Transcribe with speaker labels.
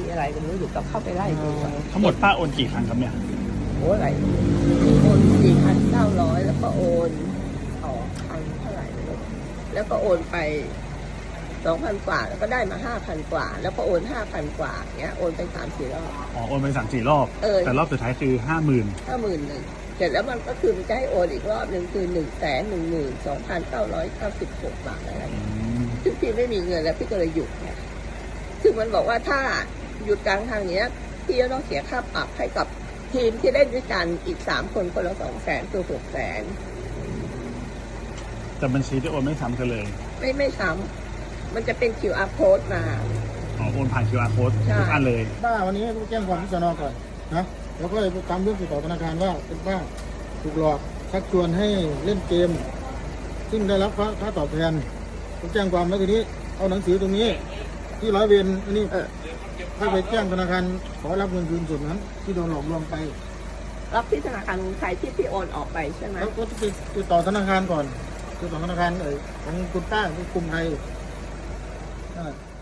Speaker 1: ที่อะไรก็ไม่รู้อยู่ก็เข้าไปไล่ดู
Speaker 2: ทั้งหมดป้าโอนกี่ครั้งครับเนี่ย
Speaker 1: โอ้อะไรโอน4,900แล้วก็โอน2,000เท่าไหร่ไม่รู้แล้วก็โอนไป2,000 กว่าแล้วก็ได้มา5,000 กว่าแล้วก็โอน5,000 กว่าเงี้ยโอนไป3-4 รอบ
Speaker 2: อ๋อโอนไป3-4 รอบแต่รอบสุดท้ายคือ50,000
Speaker 1: 51,000เสร็จแล้วมันก็คือมันจะให้โอนอีกรอบหนึ่งคือ112,996 บาทอะไรซึ่งพี่ไม่มีเงินแล้วพี่ก็เลยหยุดเนี่ยซึ่งมันบอกว่าถ้าหยุดกลางทางเนี้ยพี่จะต้องเสียค่าปรับให้กับทีมที่เล่นด้วยกันอีก3 คนคนละ200,000คือ600,000
Speaker 2: แต่บัญชีที่โอนไม่ซ้ำกันเลย
Speaker 1: ไม่ซ้ำมันจะเป็น QR code มา
Speaker 2: อ๋อโอนผ่าน QR code ทุกอันเลย
Speaker 3: ป้าวันนี้แจ้งความที่สน.ก่อนนะแล้วก็ทำเรื่องติดต่อธนาคารว่าเป็นป้าถูกหลอกชักชวนให้เล่นเกมซึ่งได้รับค่าตอบแทนผมแจ้งความแล้วทีนี้เอาหนังสือตรงนี้ที่ร้อยเวรอันนี้ให้ไปแจ้งธนาคารขอรับเงินคืนส่วนนั้นที่โดนหลอกลวงไป
Speaker 1: รับที่ธนาคารกรุงไทยที่พี่โอนออกไปใช่ไหม
Speaker 3: แล้วก็ติดต่อธนาคารก่อนติดต่อธนาคารของคุณป้าที่กรุงไทย